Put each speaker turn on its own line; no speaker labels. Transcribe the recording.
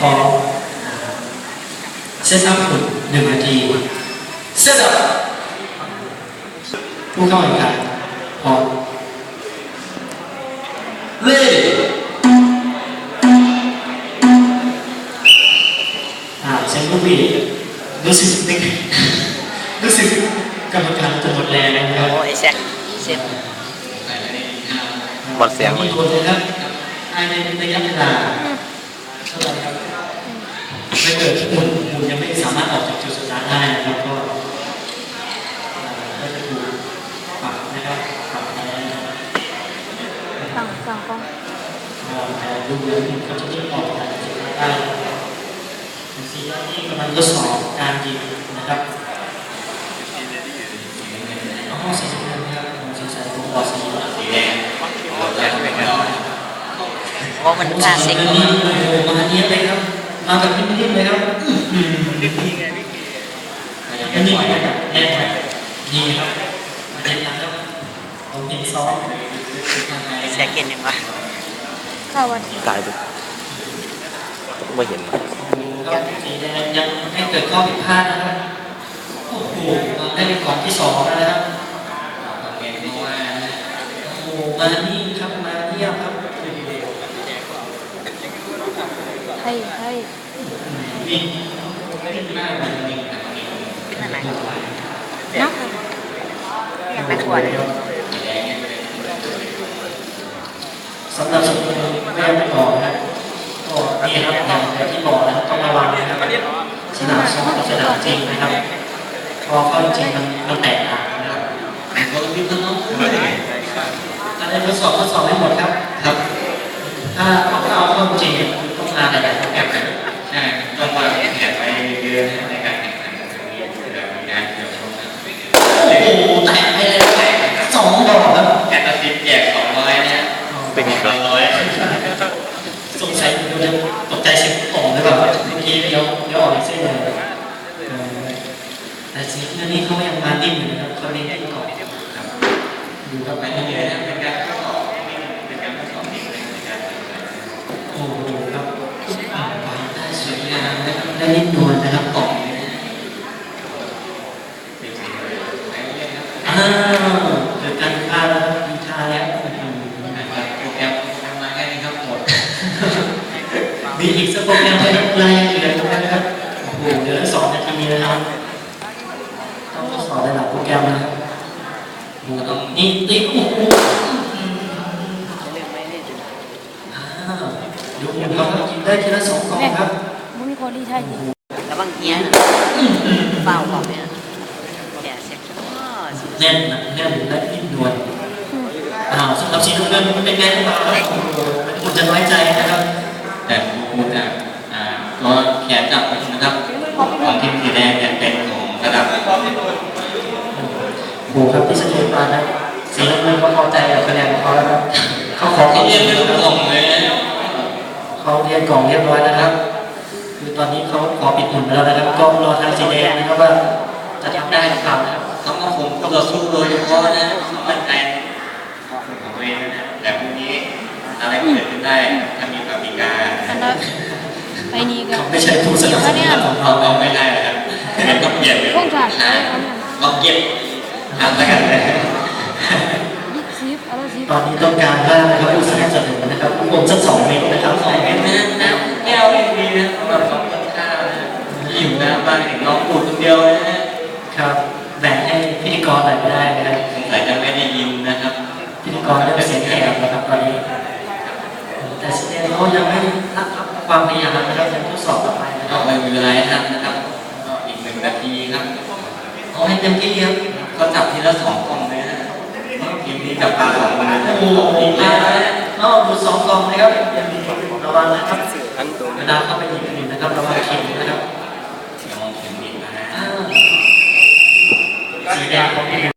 พอเซตอัพหุ่น1 นาทีเซตอัพผู้เข้าแข่งขันพร้อมเล่เซนลูกบีรู้สึกนึกรู้สึกกรรมการจะหมดแรงนะครับ
โอ้ไอ้แซกเซฟบอดเสียง
มีคนเลยครับภายในระยะเวลาเท่าไหร่ครับถ้าเกิดหุ่นยังไม่สามารถออกจากจุดสตาร์ทได้นะครับก็จะถูกปรับนะครับปรับอะไร
สั่งกล้อง
แต่ดูแล้วเขาจะยิ่งออกจากจุดสตาร์ทได้สีนี้กำลังทดสอบการยิงนะครับห้องสีแดงนะครับสีใสผมบอกสีแดง
เพราะมันคลาสสิก
มาเนี้ยเลยครับมาแบบนิ่มๆเลยครับนิ่มๆแบบแน่นดีครับมาเด็ดนะครับผมเห็นซ้อม
แซกเก่งยังวะ
ข้าววัน
ตายดูไม่เห็น
สีแดงยังไม่เกิดข้อผิดพลาดนะครับโอ้โหได้เป็นก่อนที่2แล้วนะครับโอ้โหมานี่ครับมาเยี่ยมครับ
ให้
วิ่งขึ้นหน้ามันวิ่ง
ขึ้นอะไร
นะ
ยังไม่ควร
สำหรับสมุนแม่ไม่บอกนะก็นี่ครับอย่างที่บอกนะต้องระวังนะครับสนามซ้อมกับสนามจริงนะครับพอเข้าจริงมันแตกต่างนะครับเราต้องรีบน้องอะไรทดสอบให้หมดครับครับถ้าเอาเข้าจริงต้องมาหลายๆโปรแกรมใช่ต้องวางแผนไปเดือนในการแข่งขันครั้งนี้แบบมีงานเกี่ยวข้องโอ้โหแตกไปเลยแตก2 ดอกครับแอนตาซินแจก200เนี่ย
เป็นไงครับ
สงสัยดูจะตกใจเสียงอ่อนหรือเปล่าเมื่อกี้เดี๋ยวออกเส้นเลยแต่สีนี้เขายังมาดิ้นอยู่นะครับเขาเล่นที่ก่อนดูครับไปเรื่อยๆเป็นการทดสอบเป็นการทดสอบนิ่งในการโอ้โหครับไปได้สวยงามนะครับได้นิ่มนวลนะครับต่อเกิดการพลาดแล้วมีชาแล้วนะครับโปรแกรมมาแค่นี้ครับหมดมีอีกสักโปรแกรมให้ไล่เหลือนะครับโอ้โหเดี๋ยว2 นาทีนะครับต้องทดสอบระดับโปรแกรมนะครับนี่ติ๊กโอ้โหดูเขากินได้ทีละ2 กล่องครับ
มันมีคนที่ใช่จริง
ระวังเงี้ยเปล่าบอกเนี่ยแกเซ็ก
แน่นและนิ่มนวลสำหรับสีน้ำเงินเป็นไงบ้างครับคุณจะน้อยใจนะครับแต่คุณจะตัวแขนจับนะครับของทีมสีแดงเนี่ยเป็นของระดับโหครับที่เสถียรมานะสีน้ำเงินก็พอใจกับคะแนนของเขาแล้วครับเขาขอเรียนเป็นกล่องเลยเขาเรียนกล่องเรียบร้อยนะครับคือตอนนี้เขาขอปิดหุ่นแล้วนะครับก็รอทางสีแดงนะครับว่าจะทำได้หรือเปล่านะครับเขาก็คงต่อสู้โดยเฉพาะนะมั่นใจของตัวเองนะแต่พรุ่งนี้อะไรเกิดขึ้นได้ถ้ามีปฏิกา
ไปนี่ก็
ไม่ใช่ผู้สนับสนุนของเราไม่ได้นะครับเป็นต้องเปลี่ยนเลยต้องเก็บทำแล้วกันเลยตอนนี้ต้องการว่าเขาผู้สนับสนุนนะครับรวมสัก2 เม็ดนะครับ2 เม็ดนะแก้วไม่ดีนะสำหรับ2 คนข้าวนะหิวนะบางถึงน้องปูดคนเดียวนะครับแบ่งให้พิธีกรหน่อยไม่ได้นะครับสงสัยจะไม่ได้ยินนะครับพิธีกรได้เสียงแหบนะครับตอนนี้แต่เสียงเขายังไม่รับความพยายามนะครับยังทดสอบต่อไปนะครับไม่มีเวลาให้ทำนะครับอีก1 นาทีครับเอาให้เต็มที่ครับเขาจับทีละ2 กล่องเลยนะทีมนี้จับปลา2 คนโอ้โหดีมากนะดู2 กล่องนะครับระวังนะครับเวลาเข้าไปหยิบผิดนะครับระวังเข็มนะครับมองเข็มผิดนะสีแดงของพี่